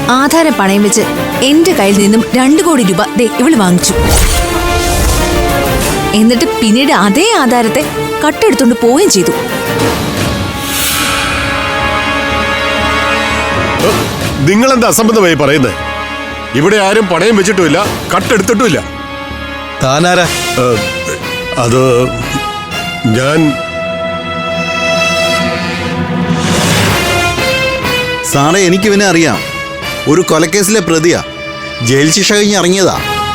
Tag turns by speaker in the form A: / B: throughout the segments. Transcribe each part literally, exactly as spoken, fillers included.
A: ആധാരം പണയം വെച്ച് എന്റെ കയ്യിൽ നിന്നും രണ്ടു കോടി രൂപ ദേ ഇവള് വാങ്ങിച്ചു. എന്നിട്ട് പിന്നീട് അതേ ആധാരത്തെ കട്ടെടുത്തോണ്ട് പോവുകയും ചെയ്തു.
B: നിങ്ങൾ എന്താ അസംബന്ധമായി പറയുന്നത്? ഇവിടെ ആരും പണയം വെച്ചിട്ടുമില്ല, കട്ടെടുത്തിട്ടുമില്ല.
C: താനാരാ?
B: അത് ഞാൻ.
D: സാറേ, എനിക്കിവനെ അറിയാം. ഒരു കൊലക്കേസിലെ പ്രതിയാ. ജയിൽ ശിക്ഷ കഴിഞ്ഞ് ഇറങ്ങിയതാ.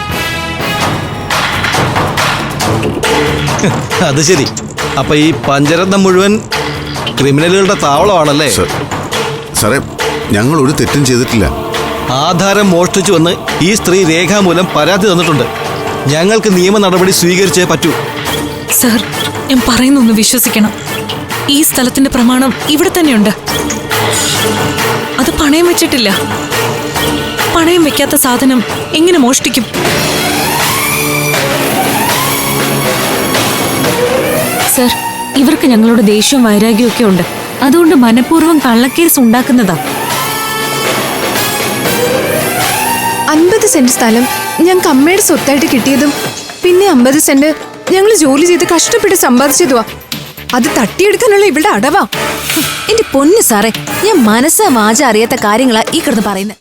C: അത് ശരി. അപ്പൊ ഈ പഞ്ചരത്നം മുഴുവൻ ക്രിമിനലുകളുടെ താവളമാണല്ലേ?
E: സാറേ, ഞങ്ങൾ ഒരു തെറ്റും ചെയ്തിട്ടില്ല.
C: ആധാരം മോഷ്ടിച്ചു വന്ന് ഈ സ്ത്രീ രേഖാമൂലം പരാതി തന്നിട്ടുണ്ട്. ഞങ്ങൾക്ക് നിയമ നടപടി സ്വീകരിച്ചേ പറ്റൂ.
F: സർ, ഞാൻ പറയുന്നൊന്ന് വിശ്വസിക്കണം. ഈ സ്ഥലത്തിന്റെ പ്രമാണം ഇവിടെ തന്നെയുണ്ട്. അത് പണയം വെച്ചിട്ടില്ല. പണയം വെക്കാത്ത സാധനം എങ്ങനെ മോഷ്ടിക്കും?
A: സർ, ഇവർക്ക് ഞങ്ങളുടെ ദേഷ്യവും വൈരാഗ്യവും ഒക്കെ ഉണ്ട്. അതുകൊണ്ട് മനഃപൂർവ്വം കള്ളക്കേസ് ഉണ്ടാക്കുന്നതാ.
G: അൻപത് സെന്റ് സ്ഥലം ഞങ്ങൾക്ക് അമ്മയുടെ സ്വത്തായിട്ട് കിട്ടിയതും പിന്നെ അമ്പത് സെന്റ് ഞങ്ങൾ ജോലി ചെയ്ത് കഷ്ടപ്പെട്ട് സമ്പാദിച്ചതുവാ. അത് തട്ടിയെടുക്കാനുള്ള ഇവിടെ അടവാ.
A: എന്റെ പൊന്നു സാറേ, ഞാൻ മനസ്സാ വാച അറിയാത്ത കാര്യങ്ങളാ ഈ കിടന്ന് പറയുന്നത്.